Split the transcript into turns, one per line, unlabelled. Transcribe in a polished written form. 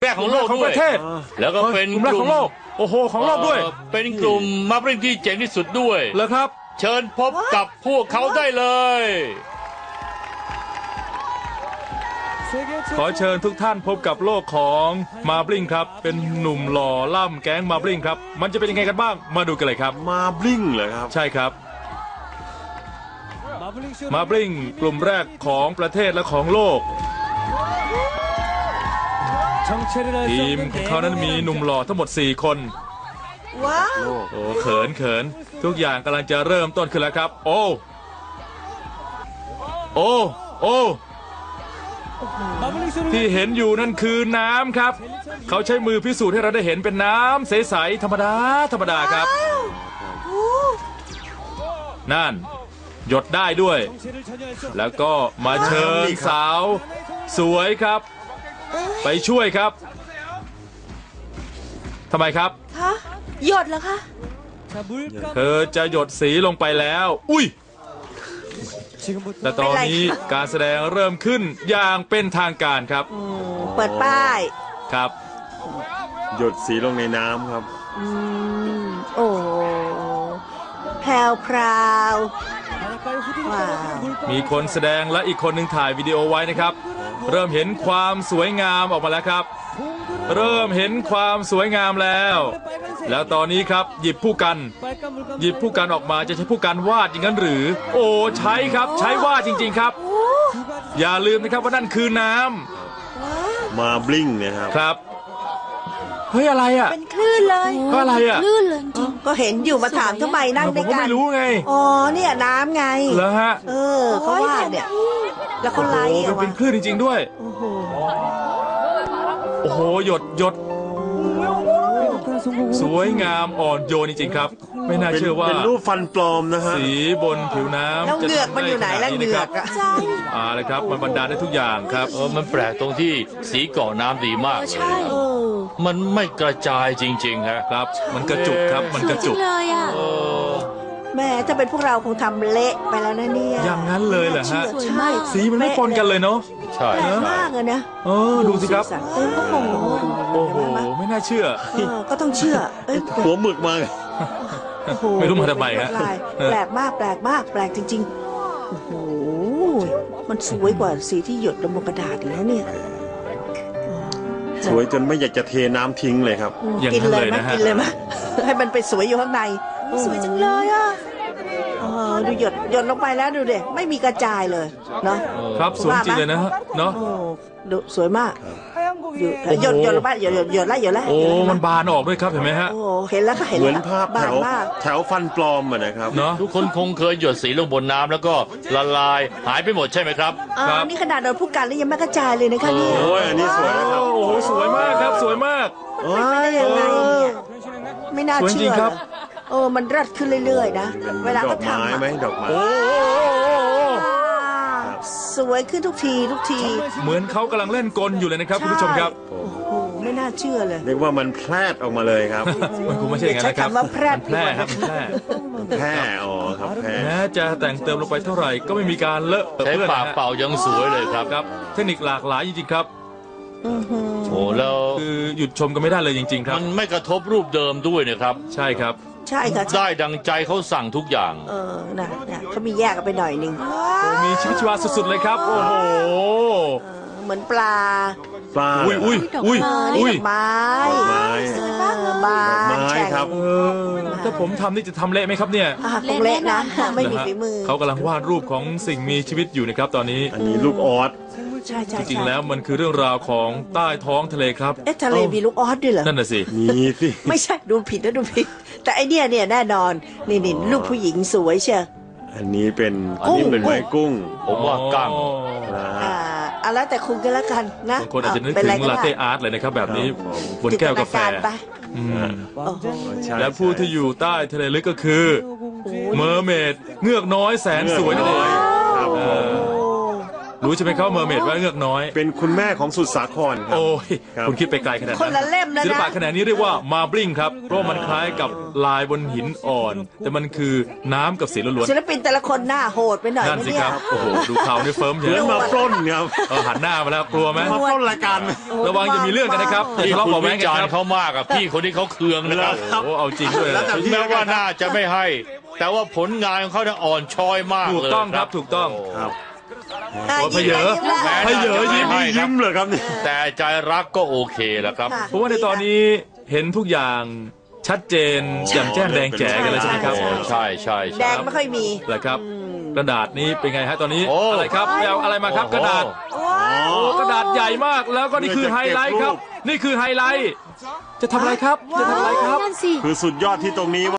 แรกของโลก
ของ
ด้
ป
วย
ระเทศ
แล้วก็เป็น
กลุ่มแรกของโลกโอ้โหของโลกด้วย
เป็นกลุ่มมาบริงที่เจ๋งที่สุดด้วย
เหรอครับ
เชิญพบกับพวกเขาได้เลย
ขอเชิญทุกท่านพบกับโลกของมาบลิงครับเป็นหนุ่มหล่อล่ำแก๊งมาบลิงครับมันจะเป็นยังไงกันบ้างมาดูกันเลยครับ
มาบลิงเหรอครับ
ใช่ครับมาบลิงกลุ่มแรกของประเทศและของโลกทีมของเขานั้นมีหนุ่มหล่อทั้งหมด4 คน
ว้าว
โอ้เขินทุกอย่างกำลังจะเริ่มต้นขึ้นแล้วครับโอ้ที่เห็นอยู่นั่นคือน้ำครับเขาใช้มือพิสูจน์ให้เราได้เห็นเป็นน้ำใสๆธรรมดาครับนั่นหยดได้ด้วยแล้วก็มาเชิญสาวสวยครับไปช่วยครับทำไมครับ
คะหยดเหรอคะ
เธอจะหยดสีลงไปแล้วอุ้ยแต่ตอนนี้การแสดงเริ่มขึ้นอย่างเป็นทางการครับ
เปิดป้าย
ครับ
หยดสีลงในน้ำครับ
โอ้แพรวว้าว
มีคนแสดงและอีกคนหนึ่งถ่ายวิดีโอไว้นะครับเริ่มเห็นความสวยงามออกมาแล้วครับเริ่มเห็นความสวยงามแล้วตอนนี้ครับหยิบผู้กันออกมาจะใช้ผู้กันวาดอย่างนั้นหรือโอ้ใช้ครับใช้วาดจริงๆครับอย่าลืมนะครับว่านั่นคือน้
ำมาบลิงนะครับ
ครับเฮ้ยอะไรอ่ะ
เป็นคลื่นเลย
ก็อะไรอ่ะ
คลื่นเลยจริงก็เห็นอยู่มาถามทำไมนั่งด้วยกัน
ผมก็ไม่รู้ไง
อ๋อเนี่ยน้ำไง
เหรอฮะ
เขาวาดเนี่ยแล้วเขาไล่
เป็นคลื่นจริงๆด้วยโอ้โหหยดสวยงามอ่อนโยนจริงๆครับไม่น่าเชื่อว่า
เป็นรูปฟันปลอมนะฮะ
สีบนผิวน้ำ
แล้วเหงือกมันอยู่ไหนแล้วเหงือก
ใช่เลยครับมันบรรดาได้ทุกอย่างครับ
มันแปลกตรงที่สีเกาะน้ำดีมาก
ใช่
มันไม่กระจายจริงๆครับ
มันกระจุกครับมันกระจุก
เลยอ่ะแม่ถ้าเป็นพวกเราคงทำเละไปแล้วนะเนี่ย
อย่างนั้นเลยเหรอฮะใช่สีมันไม่ปนกันเลยเนาะ
ใช่
มากเลยนะ
ดูสิครับโอ้โหไม่น่าเชื่อ
ก็ต้องเชื่อ
หัวหมึกมา
ไม่รู้มาทำไมฮะ
แปลกมากแปลกจริงๆโอ้โหมันสวยกว่าสีที่หยดลงบนกระดาษแล้วเนี่ย
สวยจนไม่อยากจะเทน้ำทิ้งเลยครับ
กินเลยมั้ยให้มันไปสวยอยู่ข้างในสวยจังเลยอ่ะดูหยดลงไปแล้วดูเด็ไม่มีกระจายเลยเนาะ
ครับสวยจริงเลยนะเนาะ
ดูสวยมากหยดลงไปหยดแล้ว
โอ้มันบานออกด้วยครับเห็นไหมฮะ
โอ้เห็นแล้วค่ะเห็น
เหมือนภาพแถวฟันปลอมอ่ะนะครับ
เนาะทุกคนคงเคยหยดสีลงบนน้ำแล้วก็ละลายหายไปหมดใช่ไหมครับ
นี่ขนาดโดนผู้กันแล้วยังไม่กระจายเลยนะคะเนี่ย
โอ้ยอันนี้สวยนะครับ
โอ้สวยมากครับสวยมาก
ยังไงเนี่ยไม่น่าเชื่อมันรัดขึ้นเรื่อยๆนะเวลาเขาทำ
ดอกไม้
สวยขึ้นทุกที
เหมือนเขากำลังเล่นกลอยู่เลยนะครับคุณผู้ชมครับ
โอ้โหไม่น่าเชื่อเลย
เรียกว่ามันแพร่ออกมาเลยครับ
มันคงไม่ใช่อย่างนั้นนะครับ
ว่าแพร่
ครับ
แพร่อ๋อครับแพร่
แม้จะแต่งเติมลงไปเท่าไหร่ก็ไม่มีการเลอะ
ใช้ปากเป่ายังสวยเลยครับ
เทคนิคหลากหลายจริงๆครับ
โอ้แล้ว
คือหยุดชมกันไม่ได้เลยจริงๆครับ
มันไม่กระทบรูปเดิมด้วยนะครับ
ใช่ครับ
ใช่ค่ะ
ได้ดังใจเขาสั่งทุกอย่าง
นะเขามีแยกกันไปหน่อยนึง
มีชีวิตชีวาสุดๆเลยครับโอ้โห
เหมือนปลา
อุ้ย
ไม้สวยมากเลยไม้
ครับ
ถ้าผมทำนี่จะทำเละไหมครับเนี่ย
คงเละนะไม่มีฝีมือ
เขากำลังวาดรูปของสิ่งมีชีวิตอยู่นะครับตอนนี้
อันนี้ลูกออส
จริงๆแล้วมันคือเรื่องราวของใต้ท้องทะเลครับ
ทะเลมีลูกออสด้วยเหรอ
นั่นน่ะสิ
มีสิ
ไม่ใช่ดูผิดแต่ไอเนี่ยแน่นอนนี่ลูกผู้หญิงสวยเชียว
อันนี้เป็นไม้กุ้ง
ผมว่ากั้ง
แล้วแต่คุณก็แล้วกันนะ
บางคนอาจจะนึกถึงลาเต้อาร์ตเลยนะครับแบบนี้บนแก้วกาแฟและผู้ที่อยู่ใต้ทะเลลึกก็คือเมอร์เมดเงือกน้อยแสนสวยนั่นเองรู้ใช่ไหมครับเมอร์เมดว่าเงือกน้อย
เป็นคุณแม่ของสุดสาครครับ
โอ้ย
ครับ
คุณคิดไปไกลขนาด
คนละเล่มแล้วนะ
ศิลปะขนาดนี้เรียกว่ามาบลิงครับเพราะมันคล้ายกับลายบนหินอ่อน แต่มันคือน้ำกับสีล้วน
ศิลปินแต่ละคนหน้าโหดไปหน่อย
ๆนั่น
นะ
สิ
เนี่
ค
ย
รับโอ้โหดูเขาในเฟิร์ม
เห
เย
มือน
อะ
มาปล้นครับ
หันหน้ามาแล้วกลัวไหม
มาปล้นรายการ
ระวังจะมีเรื่องกันนะครับอย่า
ที่
ทะเลาะ
คุณ
เบาะแว้
วิ
งกัน
จาร
ครั
ณ์
บ
เขามากอะพี่คนที่เขาเคืองนะครับ
ครับ
โอ้เอาจริงด้วย
แล้วแต่
ถึงแม้ว่าน่าจะไม่ให้ แต่ว่าผลงานของเขาเนี่ยอ่อนช้อยมาก
ถูก
เลย
ต้องครับถูกต้อง
ครับ
อ่ะ
โอ้ย
ยิ้ม
เพเยอ
แล้ว
แม้
พเยอยิ้มเหรอครับเนี่ย
แต่ใจรักก็โอเคแล้วครับ
ค่ะ
เพราะว่าในตอนนี้เห็นทุกอย่างชัดเจนแจ่มแจ้งแดงแจ๋กันเลยใช่ไหมครับ
ใช่ใช่
แด
ใช่
งไม่ค่อยมี
เหรอครับ กระดาษนี้เป็นไงฮะตอนนี้
โอ้
อะไรครับไปเอาอะไรมาครับกระดาษ
ว้าว
โอ้กระดาษใหญ่มากแล้วก็นี่คือไฮไลท์ครับ นี่คือไฮไลท์ จะทำอะไรครับ จะทำอะไรครับ
นั่นสิ
คือสุดยอดที่ตรงนี้